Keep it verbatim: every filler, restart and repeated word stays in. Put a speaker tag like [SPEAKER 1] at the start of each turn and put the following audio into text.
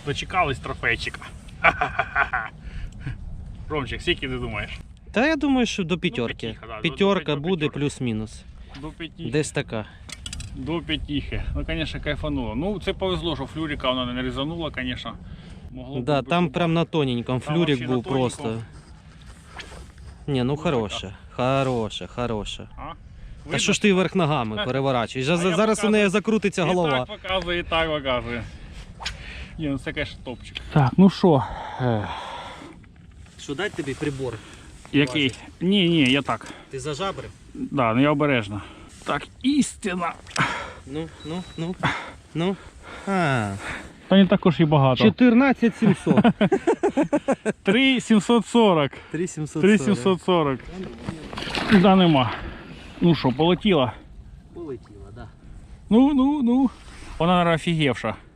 [SPEAKER 1] Дочекались трофейчика. Ромчик, скільки ти думаєш?
[SPEAKER 2] Та я думаю, що до п'ятерки.
[SPEAKER 1] Ну, п'ятіха, да,
[SPEAKER 2] П'ятерка
[SPEAKER 1] до- до
[SPEAKER 2] буде
[SPEAKER 1] п'ятерки.
[SPEAKER 2] плюс-мінус.
[SPEAKER 1] До п'ятіхи.
[SPEAKER 2] Десь така.
[SPEAKER 1] До п'ятіхи. Ну, звісно, кайфануло. Ну, це повезло, що флюрика вона не різанула, звісно. Могло
[SPEAKER 2] Да,
[SPEAKER 1] бути
[SPEAKER 2] там
[SPEAKER 1] побачити.
[SPEAKER 2] прям на тоненьком
[SPEAKER 1] Там
[SPEAKER 2] флюрик
[SPEAKER 1] вообще на
[SPEAKER 2] був просто.
[SPEAKER 1] тоненьком.
[SPEAKER 2] Ні, ну
[SPEAKER 1] Ну,
[SPEAKER 2] хороша, хороша, хороша.
[SPEAKER 1] А?
[SPEAKER 2] Та
[SPEAKER 1] Видно?
[SPEAKER 2] що ж ти вверх ногами переворачуєш?
[SPEAKER 1] А
[SPEAKER 2] За-
[SPEAKER 1] я
[SPEAKER 2] Зараз у
[SPEAKER 1] показую.
[SPEAKER 2] неї закрутиться
[SPEAKER 1] І
[SPEAKER 2] голова.
[SPEAKER 1] так показує, і так показує. Ні, ну це, звісно, топчик. Так, ну що?
[SPEAKER 2] Що дати тобі прибор?
[SPEAKER 1] Який? Ні, ні, я так.
[SPEAKER 2] Ти зажабрив?
[SPEAKER 1] Да, ну я обережно. Так, істина.
[SPEAKER 2] Ну, ну, ну, ну. А,
[SPEAKER 1] Та не також і багато.
[SPEAKER 2] чотирнадцять сімсот.
[SPEAKER 1] три сімсот сорок.
[SPEAKER 2] три сімсот
[SPEAKER 1] три сімсот сорок. Да, нема. Ну що, полетіла?
[SPEAKER 2] Полетіла, да.
[SPEAKER 1] Ну, ну, ну. Вона, наверное, офігевша.